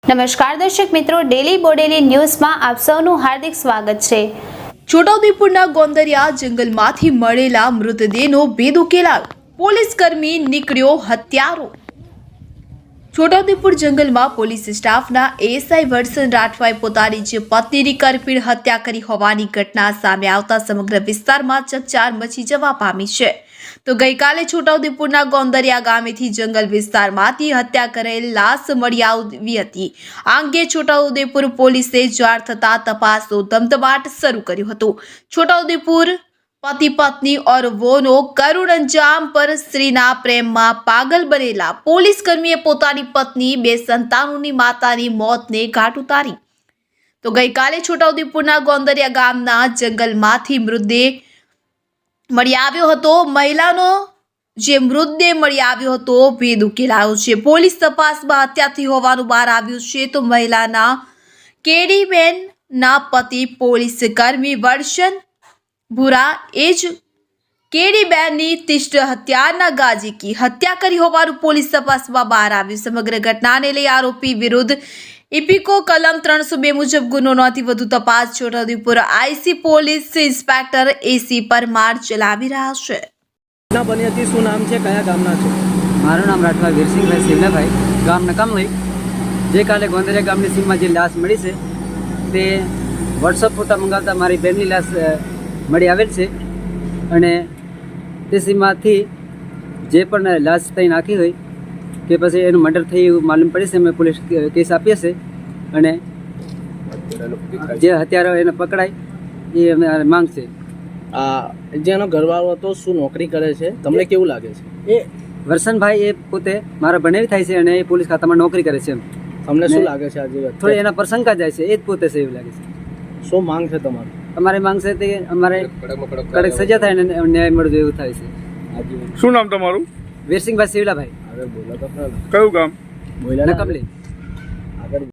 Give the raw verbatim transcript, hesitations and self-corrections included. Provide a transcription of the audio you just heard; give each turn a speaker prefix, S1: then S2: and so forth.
S1: નમસ્કાર દર્શક મિત્રો, ડેલી બોડેલી ન્યૂઝમાં આપ સૌનું હાર્દિક સ્વાગત છે।
S2: છોટાઉદેપુરના ગોંદરિયા જંગલમાંથી મળેલા મૃતદેહનો ભેદ ઉકેલાયો, પોલીસ કર્મી નીકળ્યો હત્યારો। છોટાઉદેપુર જંગલમાં પોલીસ સ્ટાફના એએસઆઈ વત્સન રાઠવાએ પોતાની જ પત્નીની કરપીણ હત્યા કરી હોવાની ઘટના સામે આવતા સમગ્ર વિસ્તારમાં ચકચાર મચી જવા પામી છે। તો ગઈકાલે છોટાઉદેપુરના ગોંદરિયા ગામેથી જંગલ વિસ્તારમાંથી હત્યા કરેલ લાશ મળી આવી હતી। આ અંગે છોટાઉદેપુર પોલીસે જાણ થતા તપાસનો ધમધમાટ શરૂ કર્યો હતો। છોટાઉદેપુર पति पत्नी और वोनो करुण अंजाम पर स्त्रीना प्रेमમાં पागल बनेला पोलीस कर्मीए પોતાની પત્ની બે સંતાનોની માતાની મોતને ઘાટ ઉતારી। તો ગઈકાલે છોટાઉદેપુરના ગોંદરિયા ગામના જંગલમાંથી મૃતદેહ મળી આવ્યો હતો। મહિલાનો જે મૃતદેહ મળી આવ્યો હતો ભેદ ઉકેલાયો છે। પોલીસ તપાસમાં હત્યાથી હોવાનું બહાર આવ્યું છે। તો મહિલાના કેડીબેનના પતિ પોલીસ કર્મી વત્સન बुरा एज केडी बेनी तिष्ट हत्यारना गाजी की हत्या करी होवानुं पोलीस तपासमां बहार आव्युं। समग्र घटनाने लई आरोपी विरुद्ध इपीको कलम त्रण सौ बे मुजब गुनो नोंधी वधु तपास Chhota Udepur IC police inspector A C Parmar चलावी रह्या छे।
S3: ना बनी हती शुं नाम छे, कया गामना छे?
S4: मारुं नाम राठवा वीरसिंहभाई शिवलाभाई, गाम नकामली। जे काले गोंदरिया गामनी सीममां जे लाश मळी छे ते वॉट्सअप फोटा मंगावता मारी बेननी लाश મળી આવેલ છે અને તે સીમમાંથી જે પણ લાશ ત્યાં નાખી હોય કે પછી એનું મર્ડર થઈ એવું માલુમ પડી છે। અમે પોલીસ કેસ આપીએ છીએ અને જે હત્યારો એને પકડાય એ અમે માંગ છે।
S3: આ જેનો ઘરવાળો હતો શું નોકરી કરે છે, તમને કેવું લાગે છે?
S4: એ વત્સનભાઈ એ પોતે મારા ભણેવી થાય છે અને એ પોલીસ ખાતામાં નોકરી કરે છે।
S3: તમને શું લાગે છે આજે
S4: થોડી એના પર શંકા જાય છે, એ જ પોતે છે એવું લાગે છે।
S3: શું માંગ છે તમારી?
S4: અમારી માંગ છે તે અમારે કડક સજા થાય અને ન્યાય મળવો એવું થાય છે।
S5: શું નામ તમારું?
S4: વીરસિંહભાઈ શિવલાભાઈ,
S3: હવે બોલો તો ખરા.
S5: કયું ગામ?
S3: બોલ્યા
S4: નકમલી।